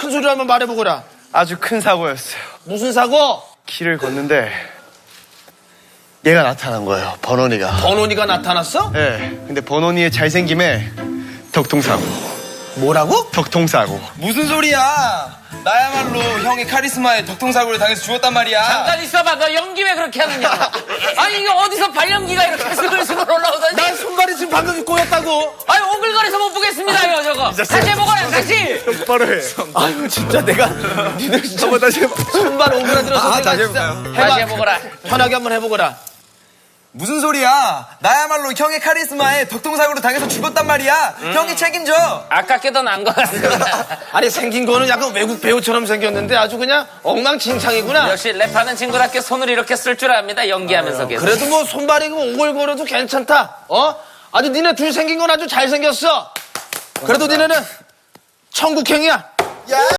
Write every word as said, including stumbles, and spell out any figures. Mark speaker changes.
Speaker 1: 큰 소리로 한번 말해보거라.
Speaker 2: 아주 큰 사고였어요.
Speaker 1: 무슨 사고?
Speaker 2: 길을 걷는데 얘가 나타난 거예요. 번원이가.
Speaker 1: 번원이가 나타났어?
Speaker 2: 네. 근데 번원이의 잘생김에 덕통사고.
Speaker 1: 뭐라고?
Speaker 2: 덕통사고.
Speaker 3: 무슨 소리야? 나야말로 형의 카리스마에 덕통사고를 당해서 죽었단 말이야.
Speaker 4: 잠깐 있어봐. 너 연기 왜 그렇게 하느냐? 아니 이게 어디서 발연기가 이렇게 스글스글 올라오더니?
Speaker 1: 난 손발이 지금 방금 꼬였다고.
Speaker 4: 아니 오글거려서 못 보겠습니다요 저거. 다시 해보거라 다시.
Speaker 2: 똑바로 해.
Speaker 1: 아이고 진짜 내가 니들 진짜
Speaker 2: 한번 다시 해봐.
Speaker 1: 손발 오그라들어서
Speaker 3: 아,
Speaker 1: 내가
Speaker 3: 다시
Speaker 1: 진짜
Speaker 3: 해볼까요?
Speaker 1: 해봐.
Speaker 4: 다시 해보거라.
Speaker 1: 편하게 한번 해보거라.
Speaker 3: 무슨 소리야? 나야말로 형의 카리스마에 덕통사고를 당해서 죽었단 말이야.
Speaker 4: 음.
Speaker 3: 형이 책임져.
Speaker 4: 아깝게도 난 것 같습니다.
Speaker 1: 아니 생긴 거는 약간 외국 배우처럼 생겼는데 아주 그냥 엉망진창이구나.
Speaker 4: 역시 랩하는 친구답게 손을 이렇게 쓸 줄 압니다. 연기하면서 계속.
Speaker 1: 그래도 뭐 손발이 오글거려도 괜찮다. 어? 아주 니네 둘 생긴 건 아주 잘생겼어. 그래도 니네는 천국행이야.